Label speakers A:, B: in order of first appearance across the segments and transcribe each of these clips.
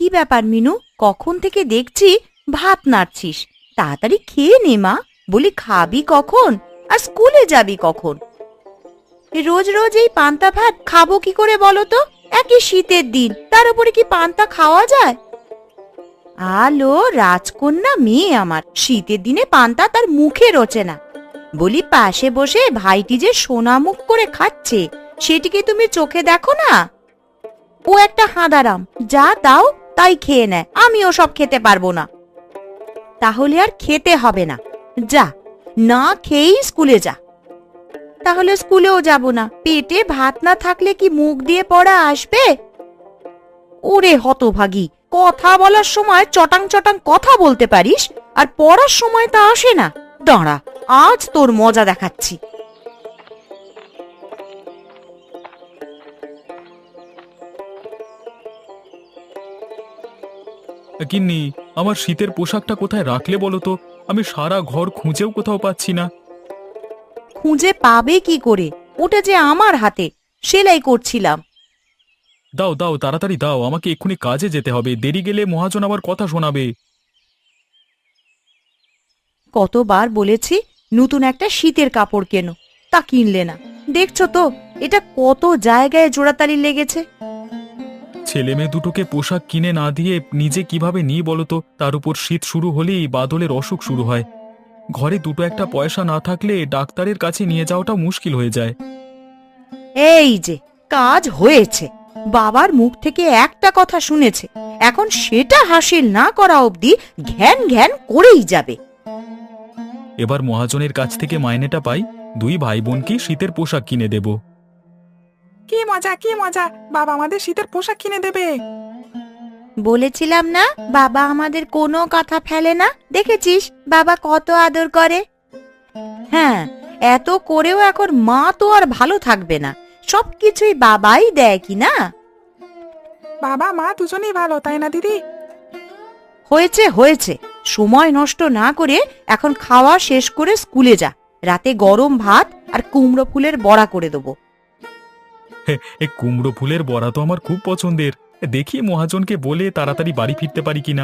A: কি ব্যাপার মিনু, কখন থেকে দেখছি ভাত নাড়ছিস? তাড়াতাড়ি খেয়ে নে মা। বলি খাবি কখন আর স্কুলে যাবি কখন? রোজ রোজ এই পান্তা ভাত খাবো কি করে বলো তো? একই শীতের দিন, তার উপরে কি পান্তা খাওয়া যায়? আলো রাজকন্যা মেয়ে আমার, শীতের দিনে পান্তা তার মুখে রোচে না। বলি পাশে বসে ভাইটি যে সোনা মুখ করে খাচ্ছে, সেটিকে তুমি চোখে দেখো না? ও একটা হাঁদারাম, যা দাও তাই খেয়ে নেয়, আমিও সব খেতে পারবো না। তাহলে আর খেতে হবে না, যা, না খেয়েই স্কুলে যা। তাহলে স্কুলেও যাব না, পেটে ভাত না থাকলে কি মুখ দিয়ে পড়া আসবে? ওরে হতভাগী, কথা বলার সময় চটাং চটাং কথা বলতে পারিস, আর পড়ার সময় তা আসে না। দাঁড়া, আজ তোর মজা দেখাচ্ছি।
B: গিন্নি, আমার শীতের পোশাকটা কোথায় রাখলে বলো তো? আমি সারা ঘর খুঁজেও কোথাও পাচ্ছি না।
A: খুঁজে পাবে কি করে? ওটা যে আমার হাতে, সেলাই করছিলাম।
B: দাও দাও, তাড়াতাড়ি দাও, আমাকে এক্ষুনি কাজে যেতে হবে, দেরি গেলে মহাজন আবার কথা শোনাবে।
A: কতবার বলেছি নতুন একটা শীতের কাপড় কেনো, তা কিনলে না। দেখছো তো এটা কত জায়গায় জোড়াতালি লেগেছে।
B: ছেলে মেয়ে দুটোকে পোশাক কিনে না দিয়ে নিজে কিভাবে নিই বলো তো? তার উপর শীত শুরু হলেই বাদলের অসুখ শুরু হয়। ঘরে দুটো একটা পয়সা না থাকলে ডাক্তারের কাছে নিয়ে যাওয়াটা মুশকিল হয়ে যায়।
A: এই যে কাজ হয়েছে, বাবার মুখ থেকে একটা কথা শুনেছে, এখন সেটা হাসিল না করা অবধি ঘ্যান ঘ্যান করেই যাবে।
B: এবার মহাজনের কাছ থেকে মাইনেটা পাই, দুই ভাই বোনকে শীতের পোশাক কিনে দেব।
C: কি মজা কি মজা, বাবা আমাদের শীতের পোশাক কিনে দেবে।
A: বলেছিলাম না বাবা আমাদের কোনো কথা ফেলে না, দেখেছিস বাবা কত আদর করে। হ্যাঁ, এত করেও এখন মা তো আর ভালো থাকবে না, সবকিছুই বাবাই দেয় কি না?
C: বাবা মা দুজনেই ভালো, তাই না দিদি?
A: হয়েছে হয়েছে, সময় নষ্ট না করে এখন খাওয়া শেষ করে স্কুলে যা। রাতে গরম ভাত আর কুমড়ো ফুলের বড়া করে দেবো।
B: এ কুমড়ো ফুলের বড়া তো আমার খুব পছন্দের। দেখি মহাজনকে বলে তাড়াতাড়ি বাড়ি ফিরতে পারি কিনা।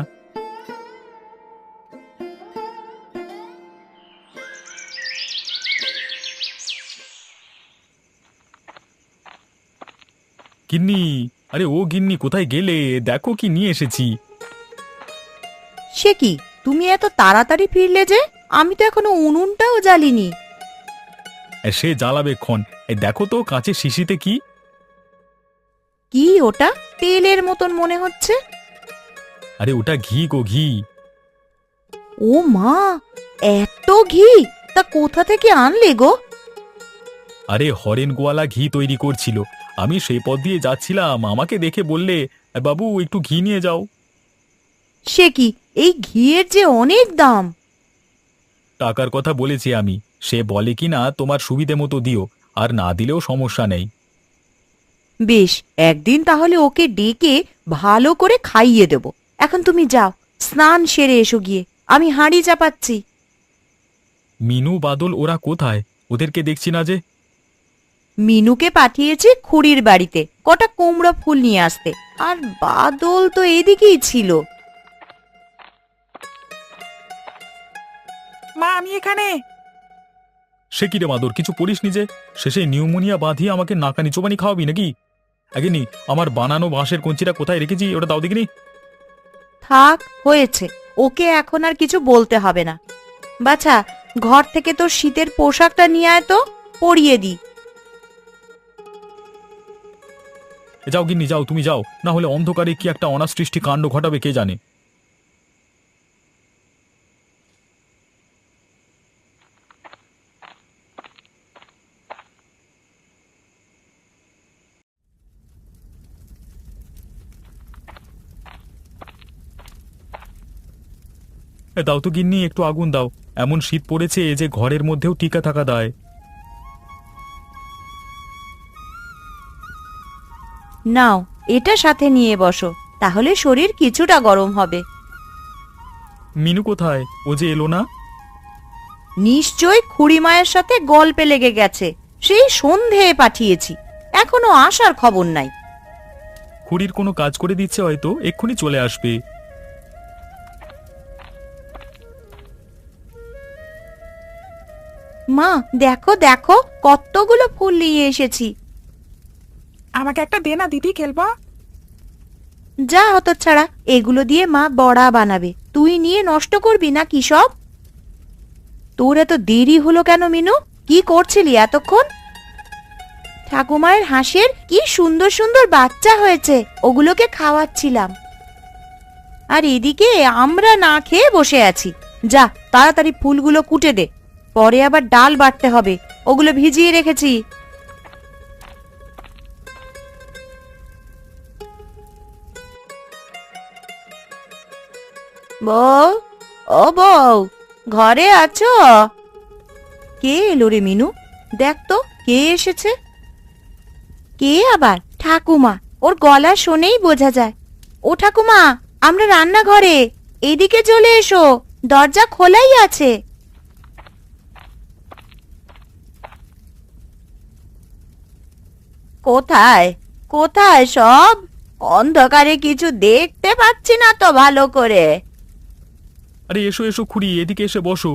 B: গিন্নি, আরে ও গিন্নি, কোথায় গেলে? দেখো কি নিয়ে এসেছি।
A: সে কি, তুমি এত তাড়াতাড়ি ফিরলে যে? আমি তো এখনো উনুনটাও জ্বালিনি।
B: সে জ্বালাবে ক্ষণ। দেখো তো কাঁচের শিশিতে কি।
A: কি ওটা? তেলের মতন মনে হচ্ছে।
B: আরে ওটা ঘি গো, ঘি।
A: ও মা, এত ঘি! তা কোথা থেকে আনলে গো?
B: আরে হরেন গোয়ালা ঘি তৈরি করছিল, আমি সেই পথ দিয়ে যাচ্ছিলাম, আমাকে দেখে বললে, বাবু একটু ঘি নিয়ে যাও।
A: সে কি, এই ঘিয়ের যে অনেক দাম।
B: টাকার কথা বলেছি আমি, সে বলে কি না তোমার সুবিধে মতো দিও, আর না দিলেও সমস্যা নেই।
A: বেশ, একদিন তাহলে ওকে ডেকে ভালো করে খাইয়ে দেব। এখন তুমি যাও, স্নান সেরে এসো গিয়ে, আমি হাঁড়ি চাপাচ্ছি।
B: মিনু বাদল ওরা কোথায়? ওদেরকে দেখছি না যে।
A: মিনুকে পাঠিয়েছি খুড়ির বাড়িতে কটা কুমড়ো ফুল নিয়ে আসতে, আর বাদল তো এদিকেই ছিল।
C: মা আমি এখানে।
B: সে কি রে মাদর, কিছু পড়িস নিজে? শেষে নিউমোনিয়া বাঁধিয়ে আমাকে নাকানি চোবানি খাওয়াবি নাকি? আগেনি আমার বানানো বাঁশের কঞ্চিটা কোথায় রেখেছি ওটা দাও দেখিনি।
A: থাক, হয়েছে, ওকে এখন আর কিছু বলতে হবে না। বাছা, ঘর থেকে তোর শীতের পোশাকটা নিয়ে আয় তো, পরিয়ে দি।
B: যাও গিন্নি যাও, তুমি যাও, না হলে অন্ধকারে কি একটা অনাসৃষ্টি কাণ্ড ঘটাবে কে জানে। দাও তো গিন্নি, একটু আগুন দাও, এমন শীত পড়েছে যে ঘরের মধ্যেও টিকা থাকা দায়।
A: নাও, এটা সাথে নিয়ে বসো, তাহলে শরীর কিছুটা গরম হবে।
B: মিনু কোথায়? ও যে এলো না।
A: নিশ্চয় খুড়িমায়ের সাথে গল্পে লেগে গেছে, সেই সন্ধে পাঠিয়েছি, এখনো আসার খবর নাই।
B: খুড়ির কোনো কাজ করে দিচ্ছে, হয়তো এক্ষুনি চলে আসবে।
A: মা, দেখো দেখো কতগুলো ফুল নিয়ে এসেছি।
C: আমাকে একটা দে না দিদি, খেলবো।
A: যা হতচ্ছাড়া, এগুলো দিয়ে মা বড়া বানাবে, তুই নিয়ে নষ্ট করবি না কি সব? তোর এত দেরি হলো কেন মিনু? কি করছিলি এতক্ষণ? ঠাকুমায়ের হাঁসের কি সুন্দর সুন্দর বাচ্চা হয়েছে, ওগুলোকে খাওয়াচ্ছিলাম। আর এদিকে আমরা না খেয়ে বসে আছি। যা তাড়াতাড়ি ফুলগুলো কুটে দে, পরে আবার ডাল বাটতে হবে, ওগুলো ভিজিয়ে রেখেছি। বউ, ও বউ, ঘরে আছো? কে এলো রে মিনু? দেখ তো কে এসেছে। কে আবার? ঠাকুমা, ওর গলা শুনেই বোঝা যায়। ও ঠাকুমা, আমরা রান্নাঘরে, এদিকে চলে এসো, দরজা খোলাই আছে। কোথায় কোথায় সব? অন্ধকারে কিছু দেখতে পাচ্ছি না তো ভালো করে।
B: আরে এসো এসো খুড়ি, এদিকে এসে বসো।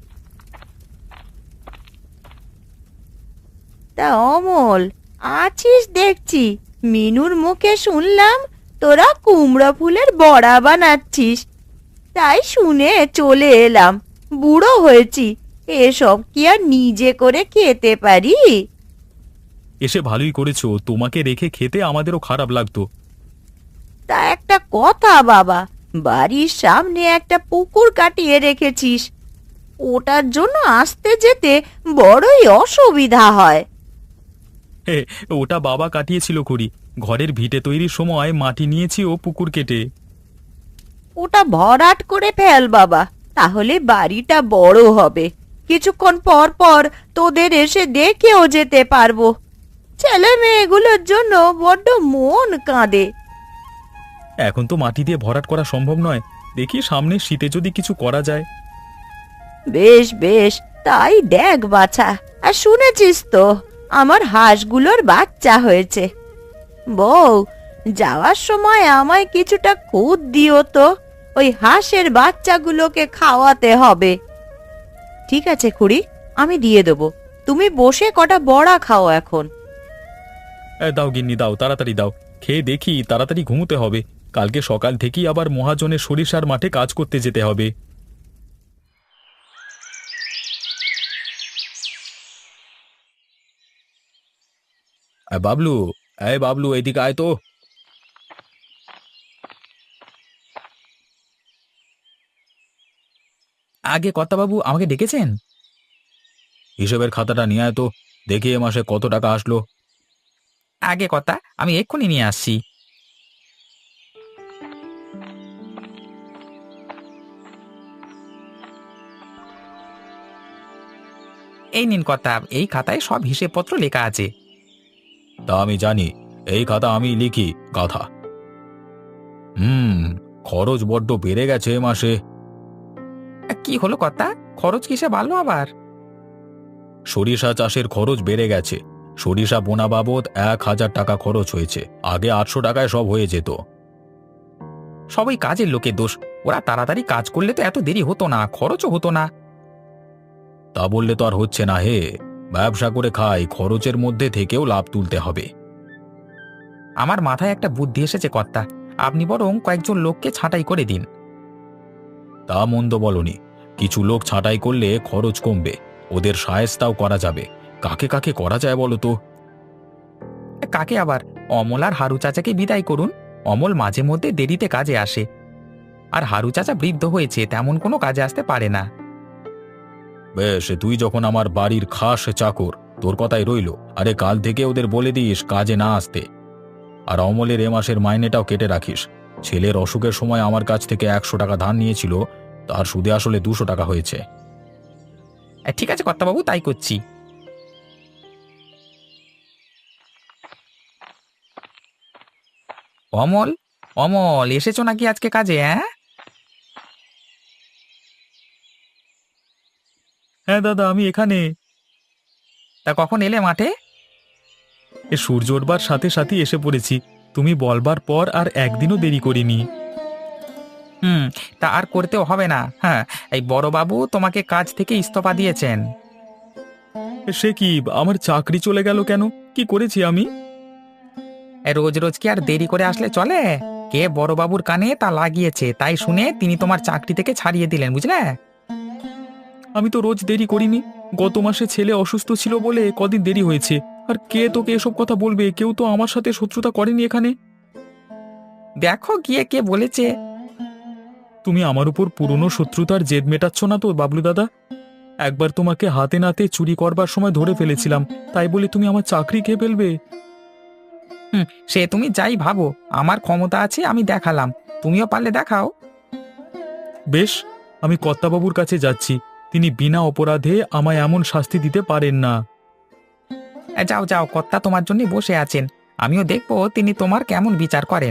A: তা অমল, আছিস দেখছি। মিনুর মুখে শুনলাম তোরা কুমড়ো ফুলের বড়া বানাচ্ছিস, তাই শুনে চলে এলাম। বুড়ো হয়েছি, এসব কি আর নিজে করে খেতে পারি?
B: এসে ভালোই করেছো, তোমাকে রেখে খেতে আমাদেরও খারাপ লাগতো।
A: তা একটা কথা বাবা, বাড়ির সামনে একটা পুকুর কাটিয়ে রেখেছিস, ওটার জন্য আসতে যেতে বড়ই অসুবিধা হয়।
B: হে, ওটা বাবা কাটিয়েছিল খুড়ি, ঘরের ভিটে তৈরির সময় মাটি নিয়েছি ও পুকুর কেটে।
A: ওটা ভরাট করে ফেল বাবা, তাহলে বাড়িটা বড় হবে, কিছুক্ষণ পর পর তোদের এসে দেখেও যেতে পারবো। ছেলে মেয়েগুলোর জন্য বড্ড মন কাঁদে।
B: এখন তো মাটি দিয়ে ভরাট করা সম্ভব নয়, দেখি সামনে শীতে যদি কিছু করা যায়।
A: বেশ বেশ, তাই দেখ বাছা। আর শুনেছিস তো, আমার হাঁসগুলোর বাচ্চা হয়েছে। বউ, যাওয়ার সময় আমায় কিছুটা খুদ দিও তো, ওই হাঁসের বাচ্চাগুলোকে খাওয়াতে হবে। ঠিক আছে খুড়ি, আমি দিয়ে দেবো, তুমি বসে কটা বড়া খাও এখন।
B: দাও গিন্নি দাও, তাড়াতাড়ি দাও, খেয়ে দেখি তাড়াতাড়ি ঘুমোতে হবে, কালকে সকাল থেকেই আবার মহাজনের সরিষার মাঠে কাজ করতে যেতে হবে। বাবলু, এই বাবলু, এদিকে আয় তো। আগে কর্তাবাবু, আমাকে ডেকেছেন? হিসেবের খাতাটা নিয়ে আয় তো, দেখি এ মাসে কত টাকা আসলো। আগে কর্তা, আমি এক্ষুনি নিয়ে আসছি। এই নিন কর্তা, এই খাতায় সব হিসেবপত্র লেখা আছে। তা আমি জানি, এই খাতা আমি লিখি, গাধা। খরচ বড্ড বেড়ে গেছে এ মাসে। কি হলো কর্তা, খরচ কিসে বাড়লো আবার? সরিষা চাষের খরচ বেড়ে গেছে, সরিষা বোনা বাবদ 1,000 টাকা খরচ হয়েছে, আগে 800 টাকায় সব হয়ে যেত। সবই কাজের লোকের দোষ, ওরা তাড়াতাড়ি কাজ করলে তো এত দেরি হতো না, খরচও হতো না। তা বললে তো আর হচ্ছে না হে, ব্যবসা করে খাই, খরচের মধ্যে থেকেও লাভ তুলতে হবে। আমার মাথায় একটা বুদ্ধি এসেছে কর্তা, আপনি বরং কয়েকজন লোককে ছাঁটাই করে দিন। তা মন্দ বলনি, কিছু লোক ছাঁটাই করলে খরচ কমবে, ওদের শায়েস্তাও করা যাবে। কাকে কাকে করা যায় বলো তো? কাকে আবার? অমল আর হারু চাচাকে বিদায় করুন, অমল মাঝে মধ্যে দেরিতে কাজে আসে, আর হারু চাচা বৃদ্ধ হয়েছে, তেমন কোনো কাজে আসতে পারে না। বেশ, তুই যখন আমার বাড়ির খাস চাকর, তোর কথাই রইল। আরে কাল থেকে ওদের বলে দিস কাজে না আসতে। আর অমলের এ মাসের মাইনেটাও কেটে রাখিস। ছেলের অসুখের সময় আমার কাছ থেকে 100 টাকা ধার নিয়েছিল, তার সুদে আসলে 200 টাকা হয়েছে। ঠিক আছে কর্তাবাবু, তাই করছি। অমল, অমল, এসেছো নাকি আজকে কাজে? হ্যাঁ দাদা, আমি এখানে। তা কখন এলে মাঠে? সূর্য ওঠবার সাথে সাথে এসে পড়েছি, তুমি বলবার পর আর একদিনও দেরি করিনি।
C: তা আর করতেও হবে না। হ্যাঁ, এই বড়বাবু তোমাকে কাজ থেকে ইস্তফা দিয়েছেন।
B: সে কি, আমার চাকরি চলে গেল কেন? কি করেছি আমি?
C: রোজ রোজ কি আর দেরি করে আসলে চলে? কে বড়বাবুর কানে তা লাগিয়েছে, তাই শুনে তিনি তোমার চাকরি থেকে ছাড়িয়ে দিলেন, বুঝলে?
B: আমি তো রোজ দেরি করিনি। গত মাসে ছেলে অসুস্থ ছিল বলে কদিন দেরি হয়েছে। আর কে তোকে এসব কথা বলবে? কেউ তো আমার সাথে শত্রুতা করেনি এখানে।
C: দেখো গিয়ে কে বলেছে।
B: তুমি আমার উপর পুরনো শত্রুতার জেদ মেটাচ্ছ না তো বাবলু দাদা? একবার তোমাকে হাতে নাতে চুরি করবার সময় ধরে ফেলেছিলাম, তাই বলে তুমি আমার চাকরি খেয়ে ফেলবে?
C: সে তুমি যাই ভাবো, আমার ক্ষমতা আছে, আমি দেখালাম। তুমিও পারলে দেখাও।
B: বেশ, আমি কর্তাবাবুর কাছে যাচ্ছি। তিনি বিনা অপরাধে আমায় এমন শাস্তি দিতে পারেন না।
C: যাও যাও, কর্তা তোমার জন্য বসে আছেন। আমিও দেখবো তিনি তোমার কেমন বিচার করেন।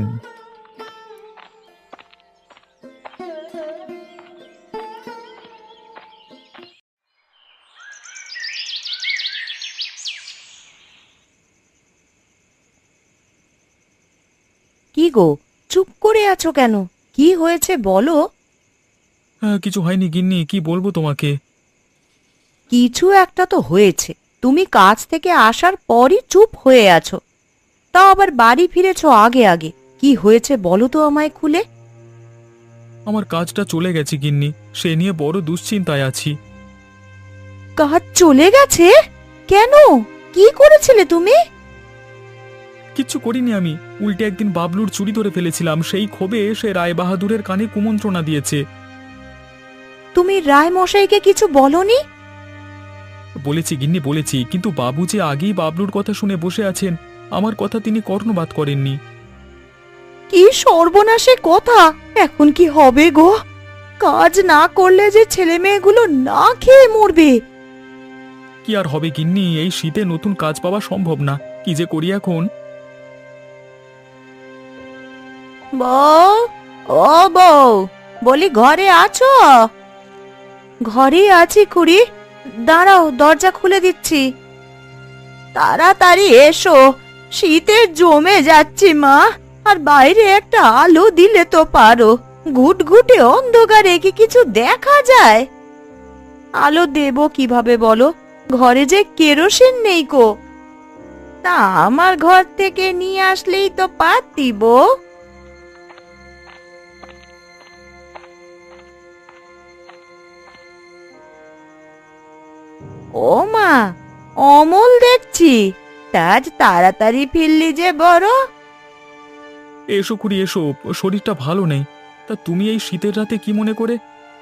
A: কি গো, চুপ করে আছো কেন? কি হয়েছে বলো।
B: হ্যাঁ, কিছু হয়নি গিন্নি, কি বলবো তোমাকে।
A: কিছু একটা তো হয়েছে। তুমি কাজ থেকে আসার পরই চুপ হয়ে আছো, তাও আবার বাড়ি ফিরেছো আগে আগে। কি হয়েছে বলো তো আমায় খুলে।
B: আমার কাজটা চলে গেছে গিন্নি, সে নিয়ে বড় দুশ্চিন্তায় আছি।
A: কাজ চলে গেছে? কেন? কি করেছিলে তুমি?
B: কিচ্ছু করিনি আমি, উল্টে একদিন বাবলুর চুরি ধরে ফেলেছিলাম। সেই ক্ষোভে সে রায় বাহাদুরের কানে কুমন্ত্রণা দিয়েছে।
A: তুমি রায় মশাইকে কিছু বলনি?
B: বলেছি গিন্নি, বলেছি, কিন্তু বাবু যে আগেই বাবলুর কথা শুনে বসে আছেন, আমার কথা তিনি কর্ণপাত করেননি।
A: কি সর্বনাশে কথা! এখন কি হবে গো? কাজ না করলে যে ছেলে মেয়েগুলো না খেয়ে মরবে।
B: কি আর হবে গিন্নি, এই শীতে নতুন কাজ পাওয়া সম্ভব না। কি যে করি এখন।
A: বউ, ও বউ, বলি ঘরে আছো? ঘরে আছি খুড়ি, দাঁড়াও, দরজা খুলে দিচ্ছি। তাড়াতাড়ি এসো, শীতে জমে যাচ্ছি মা। আর বাইরে একটা আলো দিলে তো পারো। ঘুটঘুটে অন্ধকারে কি কিছু দেখা যায়? আলো দেবো কিভাবে বলো? ঘরে যে কেরোসিন নেই কো। তা আমার ঘর থেকে নিয়ে আসলেই তো পারতি বউ। ও মা, অমল দেখছি, আজ তাড়াতাড়ি ফিরলি যে বড়।
B: এসো খুড়ি এসো, শরীরটা ভালো নেই। তা তুমি এই শীতের রাতে কি মনে করে?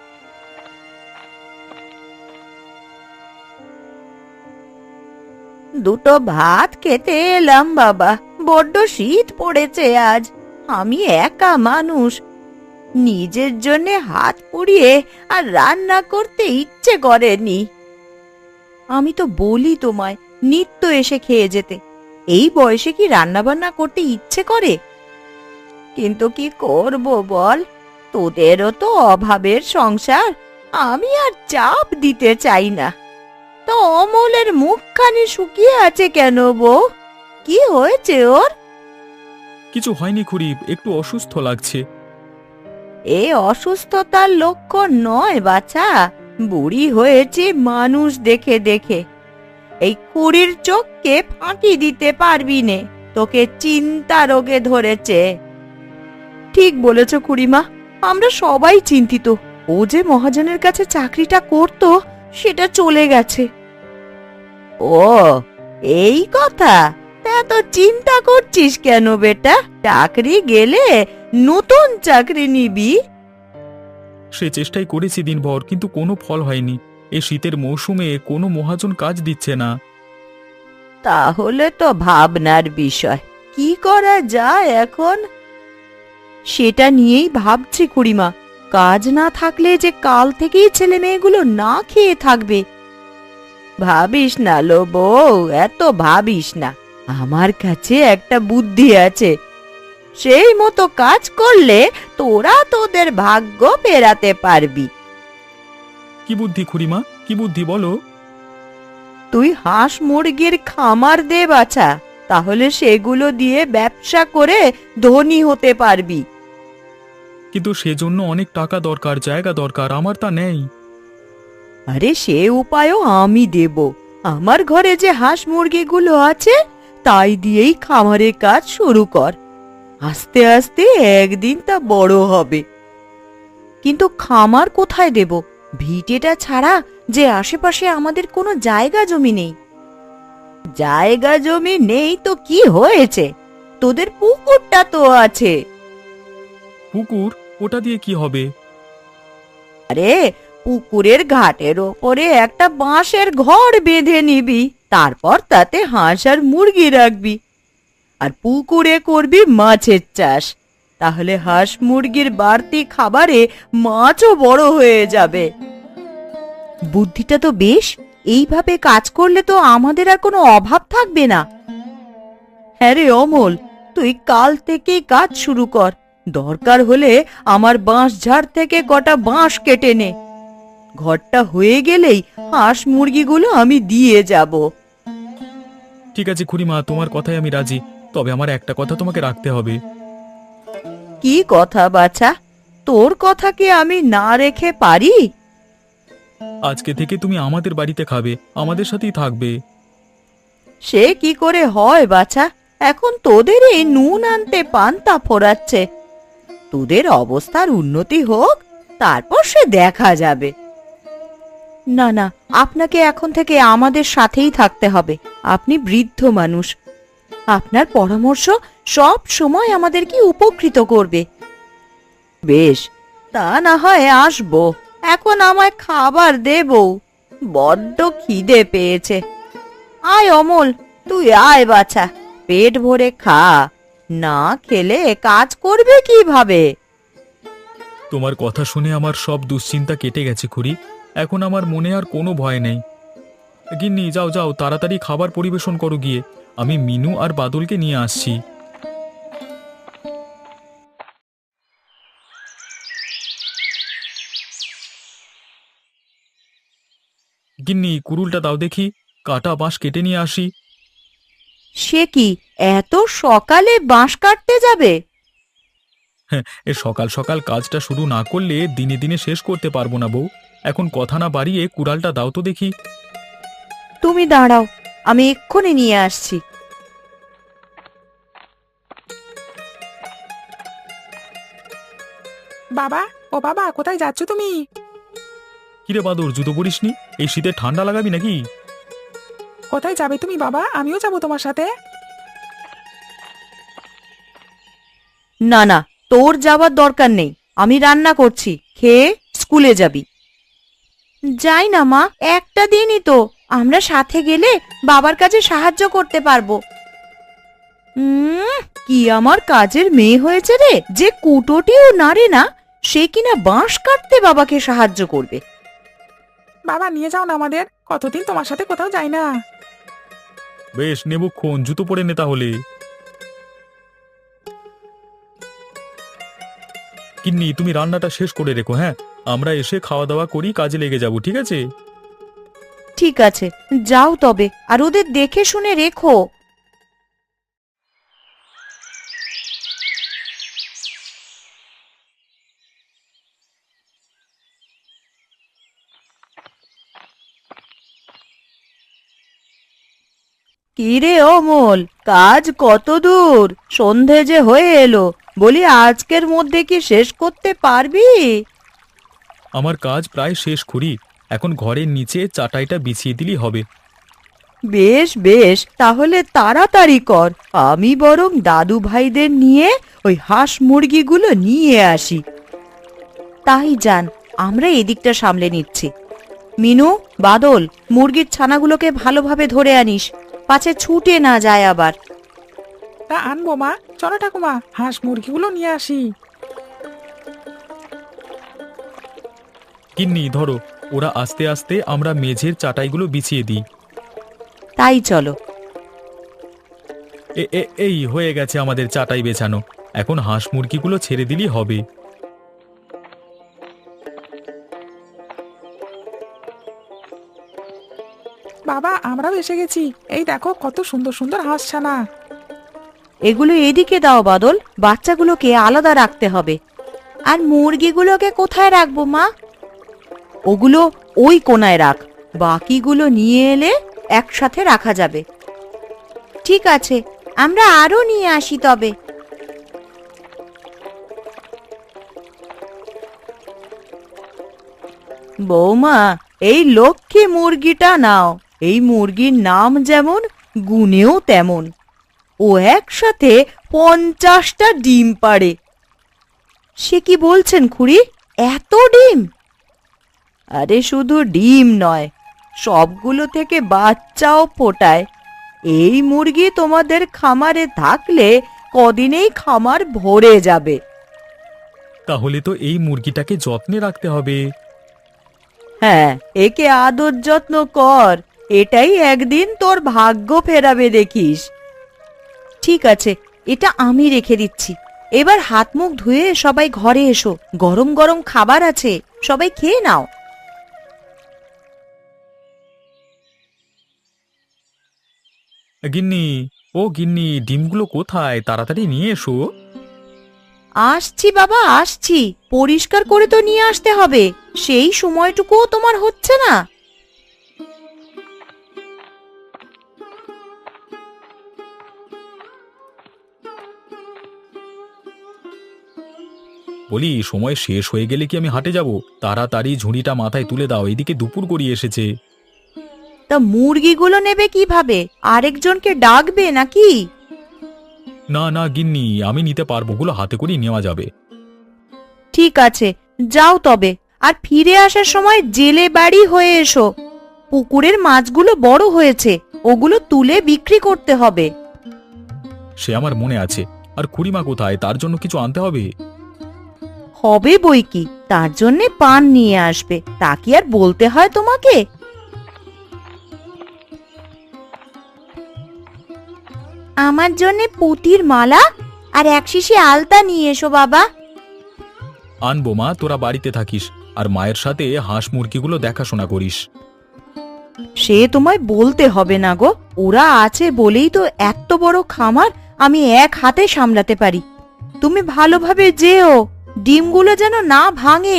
A: দুটো ভাত খেতে এলাম বাবা, বড্ড শীত পড়েছে আজ। আমি একা মানুষ, নিজের জন্য হাত পুড়িয়ে আর রান্না করতে ইচ্ছে করেনি। আমি তো বলি তোমায় নিত্য এসে খেয়ে যেতে। এই বয়সে কি রান্না বান্না করতে ইচ্ছে করে? কিন্তু কি করব বল, তোদেরও তো অভাবের সংসার। আমি আর চাপ দিতে চাই না। তো অমলের মুখখানি শুকিয়ে আছে কেন বউ? কি হয়েছে ওর?
B: কিছু হয়নি খুড়ি, একটু অসুস্থ লাগছে।
A: এ অসুস্থতার লক্ষণ নয় বাছা, বুড়ি হয়েছে মানুষ দেখে দেখে। এই খুড়ির চোখকে ফাঁকি দিতে পারবি নে, তোকে চিন্তা রোগে ধরেছে। ঠিক বলেছ খুড়িমা, আমরা সবাই চিন্তিত। ও যে মহাজনের কাছে চাকরিটা করত, সেটা চলে গেছে। ও, এই কথা? তা তো চিন্তা করছিস কেন বেটা? চাকরি গেলে নতুন চাকরি নিবি।
B: সে চেষ্টাই করেছি দিনভর, কিন্তু কোনো ফল হয়নি। এই শীতের মৌসুমে কোনো মহাজন কাজ দিচ্ছে না।
A: তাহলে তো ভাবনার বিষয়। কি করা যায় এখন? সেটা নিয়েই ভাবছি খুড়িমা। কাজ না থাকলে যে কাল থেকেই ছেলে মেয়েগুলো না খেয়ে থাকবে। ভাবিস না লো বউ, এত ভাবিস না। আমার কাছে একটা বুদ্ধি আছে। সেই মতো কাজ করলে তোরা তোদের ভাগ্য ফেরাতে পারবি।
B: কি বুদ্ধি খুড়িমা, কি বুদ্ধি বলো?
A: তুই হাঁস মুরগির খামার দে বাছা। তাহলে সেগুলো দিয়ে ব্যবসা করে ধনী হতে পারবি।
B: কিন্তু সেজন্য অনেক টাকা দরকার, জায়গা দরকার, আমার তা নেই।
A: আরে সে উপায়ও আমি দেব। আমার ঘরে যে হাঁস মুরগিগুলো আছে তাই দিয়েই খামারের কাজ শুরু কর। আস্তে আস্তে একদিন তা বড় হবে। কিন্তু খামার কোথায় দেব? ভিটেটা ছাড়া যে আশেপাশে আমাদের কোনো জায়গা জমি নেই। জায়গা জমি নেই তো কি হয়েছে, তোদের পুকুরটা তো আছে।
B: পুকুর? ওটা দিয়ে কি হবে?
A: আরে পুকুরের ঘাটের ওপরে একটা বাঁশের ঘর বেঁধে নিবি, তারপর তাতে হাঁস আর মুরগি রাখবি, আর পুকুরে করবি মাছের চাষ। তাহলে হাঁস মুরগির বাড়তি খাবারে মাছও বড় হয়ে যাবে। বুদ্ধিটা তো বেশ। এইভাবে কাজ করলে তো আমাদের আর কোনো অভাব থাকবে না। হ্যাঁ রে অমল, তুই কাল থেকেই কাজ শুরু কর। দরকার হলে আমার বাঁশ ঝাড় থেকে কটা বাঁশ কেটে নে। ঘরটা হয়ে গেলেই হাঁস মুরগিগুলো আমি দিয়ে যাব।
B: ঠিক আছে খুড়িমা, তোমার কথায় আমি রাজি। তবে আমার একটা কথা তোমাকে রাখতে হবে।
A: কি কথা বাছা? তোর কথা কি আমি না রেখে পারি?
B: আজকে থেকে তুমি আমাদের বাড়িতে খাবে, আমাদের সাথেই থাকবে।
A: সে কি করে হয় বাছা? এখন তোদের এই নুন আনতে পান্তা ফোরাচ্ছে। তোদের অবস্থার উন্নতি হোক, তারপর সে দেখা যাবে। না না, আপনাকে এখন থেকে আমাদের সাথেই থাকতে হবে। আপনি বৃদ্ধ মানুষ, আপনার পরামর্শ সব সময় আমাদেরকে উপকৃত করবে। বেশ, তা না হয় আসবো। এখন আমায় খাবার দে বউ, বড্ড খিদে পেয়েছে। আয় অমল, তুই আয় বাছা, পেট ভরে খা। না খেলে কাজ করবে কিভাবে?
B: তোমার কথা শুনে আমার সব দুশ্চিন্তা কেটে গেছে খুড়ি। এখন আমার মনে আর কোনো ভয় নেই। গিন্নি, যাও যাও, তাড়াতাড়ি খাবার পরিবেশন করো গিয়ে। আমি মিনু আর বাদলকে নিয়ে আসছি। গিন্নি, কুড়ুলটা দাও দেখি, কাটা বাঁশ কেটে নিয়ে আসি।
A: সে কি, এত সকালে বাঁশ কাটতে যাবে?
B: হ্যাঁ, এ সকাল সকাল কাজটা শুরু না করলে দিনে দিনে শেষ করতে পারবো না বউ। এখন কথা না বাড়িয়ে কুড়ালটা দাও তো দেখি।
A: তুমি দাঁড়াও, আমি এক্ষুনি নিয়ে আসছি।
C: বাবা, ও বাবা, কোথায় যাচ্ছ তুমি?
B: কিরে বাদর, জুতো পরিসনি? এই শীতে ঠান্ডা লাগাবি নাকি?
C: কোথায় যাবে তুমি বাবা? আমিও যাবো তোমার সাথে।
A: না না, তোর যাবার দরকার নেই। আমি রান্না করছি, খেয়ে স্কুলে যাবি। যাই না মা, একটা দিনই তো। আমরা সাথে গেলে বাবার কাজে সাহায্য করতে পারবো। কি আমার কাজের মেয়ে হয়েছে রে, যে কুটোটিও নাড়ে না, সে কিনা বাঁশ কাটতে বাবাকে সাহায্য করবে।
C: বাবা, নিয়ে যাও না আমাদের, কতদিন তোমার সাথে কোথাও যাই না।
B: বেশ, নেবুক্ষণ, জুতো পরে নে তাহলে। কিন্নি, তুমি রান্নাটা শেষ করে রেখো। হ্যাঁ, আমরা এসে খাওয়া দাওয়া করি, কাজে লেগে যাব, ঠিক আছে?
A: ঠিক আছে, যাও তবে, আর ওদের দেখে শুনে রেখো। কিরে অমল, কাজ কত দূর? সন্ধে যে হয়ে এলো, বলি আজকের মধ্যে কি শেষ করতে পারবি?
B: আমার কাজ প্রায় শেষ করি। এখন ঘরের নিচে চাটাইটা বিছিয়ে দিলেই হবে।
A: বেশ বেশ, তাহলে তাড়াতাড়ি কর। আমি বরং দাদু ভাইদের নিয়ে ওই হাঁস মুরগিগুলো নিয়ে আসি। তাই যান, আমরা এদিকটা সামলে নিচ্ছি। মিনু, বাদল, মুরগির ছানাগুলোকে ভালোভাবে ধরে আনিস, পাছে ছুটে না যায় আবার।
C: তা আনবো মা, চলো ঠাকুমা, হাঁস মুরগিগুলো নিয়ে আসি।
B: কিন্নি, ধরো, ওরা আস্তে আস্তে আমরা মেঝের চাটাইগুলো বিছিয়ে দিই।
A: তাই চলো।
B: এই হয়ে গেছে আমাদের চাটাই বেছানো। এখন হাঁস মুরগিগুলো ছেড়ে দিলেই হবে।
C: বাবা, আমরা আমরাও এসে গেছি। এই দেখো কত সুন্দর সুন্দর হাঁস ছানা।
A: এগুলো এদিকে দাও বাদল, বাচ্চাগুলোকে আলাদা রাখতে হবে। আর মুরগিগুলোকে কোথায় রাখবো মা? ওগুলো ওই কোনায় রাখ, বাকিগুলো নিয়ে এলে একসাথে রাখা যাবে। ঠিক আছে, আমরা আরো নিয়ে আসি তবে। বৌমা, এই লক্ষ্মী মুরগিটা নাও। এই মুরগির নাম যেমন, গুণেও তেমন। ও একসাথে 50টা ডিম পাড়ে। সে কি বলছেন খুড়ি, এত ডিম? আরে শুধু ডিম নয়, সবগুলো থেকে বাচ্চাও ফোটায়। এই মুরগি তোমাদের খামারে থাকলে কদিনেই খামার ভরে যাবে।
B: তাহলে তো এই মুরগিটাকে যত্নে রাখতে হবে।
A: হ্যাঁ, একে আদর যত্ন কর, এটাই একদিন তোর ভাগ্য ফেরাবে দেখিস। ঠিক আছে, এটা আমি রেখে দিচ্ছি। এবার হাত মুখ ধুয়ে সবাই ঘরে এসো, গরম গরম খাবার আছে, সবাই খেয়ে নাও।
B: গিন্নি, ও গিন্নি, ডিমগুলো কোথায়? তাড়াতাড়ি নিয়ে এসো।
A: আসছি বাবা, আসছি। পরিষ্কার করে তো নিয়ে আসতে হবে, সেই সময়টুকুও তোমার হচ্ছে না।
B: বলি, সময় শেষ হয়ে গেলে কি আমি হাটে যাব? তাড়াতাড়ি ঝুড়িটা মাথায় তুলে দাও, এদিকে দুপুর গড়িয়ে এসেছে।
A: তা মুরগিগুলো নেবে কিভাবে? আরেকজনকে ডাকবে নাকি?
B: না না গিন্নি, আমি নিতে পারবো, ওগুলো হাতে করে নেওয়া যাবে।
A: ঠিক আছে, যাও তবে। আর ফিরে আসার সময় জেলে বাড়ি হয়ে এসো। পুকুরের মাছগুলো বড় হয়েছে, ওগুলো তুলে বিক্রি করতে হবে।
B: সে আমার মনে আছে। আর খুড়িমা কোথায়? তার জন্য কিছু আনতে হবে।
A: হবে বই কি, তার জন্যে পান নিয়ে আসবে। তা কি আর বলতে হয় তোমাকে? আমার জন্যে পুঁতির মালা আর এক শিশি আলতা নিয়ে এসো বাবা।
B: আনবো মা, তোরা বাড়িতে থাকিস আর মায়ের সাথে হাঁস মুরগিগুলো দেখাশোনা করিস।
A: সে তোমায় বলতে হবে না গো, ওরা আছে বলেই তো এত বড় খামার আমি এক হাতে সামলাতে পারি। তুমি ভালোভাবে যেও, ডিমগুলো যেন না ভাঙে।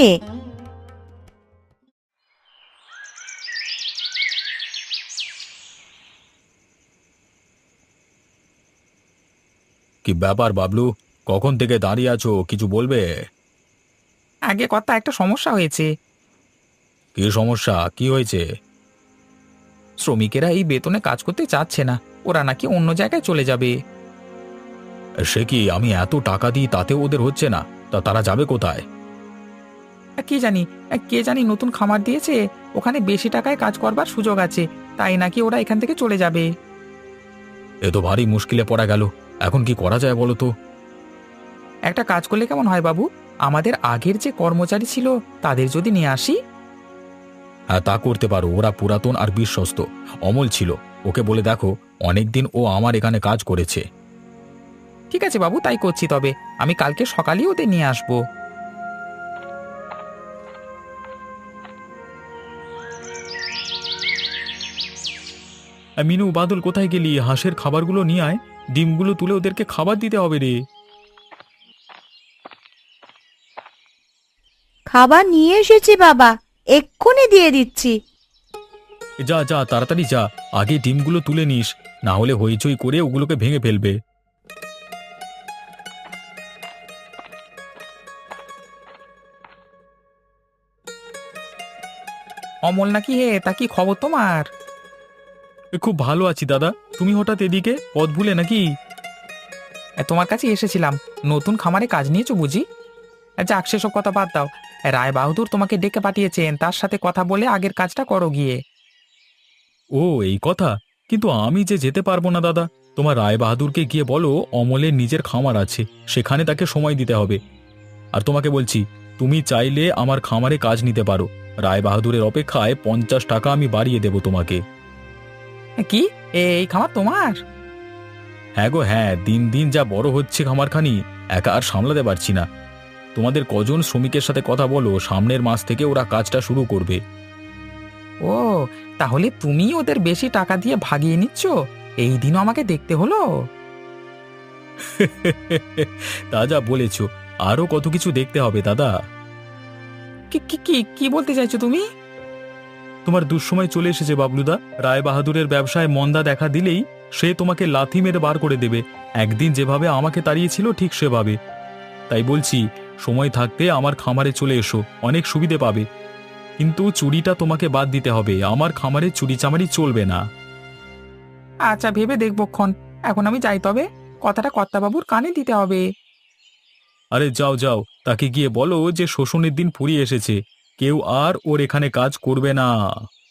B: কি ব্যাপার বাবলু, কখন থেকে দাঁড়িয়ে আছো? কিছু বলবে?
C: আগে কথা, একটা সমস্যা হয়েছে।
B: কি সমস্যা? কি হয়েছে?
C: শ্রমিকেরা এই বেতনে কাজ করতে চাচ্ছে না, ওরা নাকি অন্য জায়গায় চলে যাবে।
B: সে কি, আমি এত টাকা দিই তাতেও ওদের হচ্ছে না? তা তারা যাবে কোথায়?
C: কে জানি নতুন খামার দিয়েছে, ওখানে বেশি টাকায় কাজ করবার সুযোগ আছে, তাই নাকি ওরা এখান থেকে চলে যাবে।
B: এ তো ভারী মুশকিলে পড়া গেল। এখন কি করা যায় বলো তো?
C: একটা কাজ করলে কেমন হয় বাবু, আমাদের আগের যে কর্মচারী ছিল তাদের যদি নিয়ে আসি।
B: হ্যাঁ, তা করতে পারো। ওরা পুরাতন আর বিশ্বস্ত। অমল ছিল, ওকে বলে দেখো, অনেকদিন ও আমার এখানে কাজ করেছে।
C: ঠিক আছে বাবু, তাই করছি। তবে আমি কালকে সকালেই ওদের নিয়ে আসবো।
B: মিনু, বাদল, কোথায় গেলি? হাঁসের খাবারগুলো নিয়ে আয়, ডিমগুলো তুলে ওদেরকে খাবার দিতে হবে রে।
A: খাবার নিয়ে এসেছি বাবা, এক্ষুনি দিয়ে দিচ্ছি।
B: যা যা, তাড়াতাড়ি যা, আগে ডিমগুলো তুলে নিস, না হলে হইচই করে ওগুলোকে ভেঙে ফেলবে।
C: অমল নাকি? হে, তা কি খবর তোমার?
B: খুব ভালো আছি দাদা। তুমি হঠাৎ এদিকে, পথ ভুলে নাকি?
C: তোমার কাছে এসেছিলাম, নতুন খামারে কাজ নিয়েছো বুঝি? যাক, সেসব কথা বাদ দাও। রায় বাহাদুর তোমাকে ডেকে পাঠিয়েছেন, তার সাথে কথা বলে আগের কাজটা করো গিয়ে।
B: ও, এই কথা? কিন্তু আমি যে যেতে পারবো না দাদা। তোমার রায় বাহাদুরকে গিয়ে বলো অমলের নিজের খামার আছে, সেখানে তাকে সময় দিতে হবে। আর তোমাকে বলছি, তুমি চাইলে আমার খামারে কাজ নিতে পারো। রায় বাহাদুরের অপেক্ষায় 50 টাকা আমি বাড়িয়ে দেব তোমাকে।
C: কি, এই খামার তোমার?
B: হ্যাঁ গো হ্যাঁ, দিন দিন যা বড় হচ্ছে খামারখানি, একা আর সামলাতে পারছি না। তোমাদের কজন শ্রমিকের সাথে কথা বলো, সামনের মাস থেকে ওরা কাজটা শুরু করবে।
C: ও, তাহলে তুমি ওদের বেশি টাকা দিয়ে ভাগিয়ে নিচ্ছ? এই দিনও আমাকে দেখতে হলো।
B: তা যা বলেছ, আরো কত কিছু দেখতে হবে দাদা।
C: কি কি কি কি বলতে চাইছো তুমি?
B: তোমার দুঃসময় চলে এসেছে বাবলুদা। রায় বাহাদুরের ব্যবসায় মন্দা দেখা দিলেই সে তোমাকে লাথি মেরে বার করে দেবে। একদিন যেভাবে আমাকে তাড়িয়েছিল ঠিক সেভাবে। তাই বলছি, সময় থাকতে আমার খামারে চলে এসো, অনেক সুবিধে পাবে। কিন্তু চুরিটা তোমাকে বাদ দিতে হবে, আমার খামারে চুরি চামারি চলবে না।
C: আচ্ছা, ভেবে দেখবো ক্ষণ। এখন আমি যাই তবে। কথাটা কর্তাবাবুর কানে দিতে হবে।
B: আরে যাও যাও, তাকে গিয়ে বলো যে শোষণের দিন ফুরিয়ে এসেছে, কেউ আর ওর এখানে কাজ করবে না।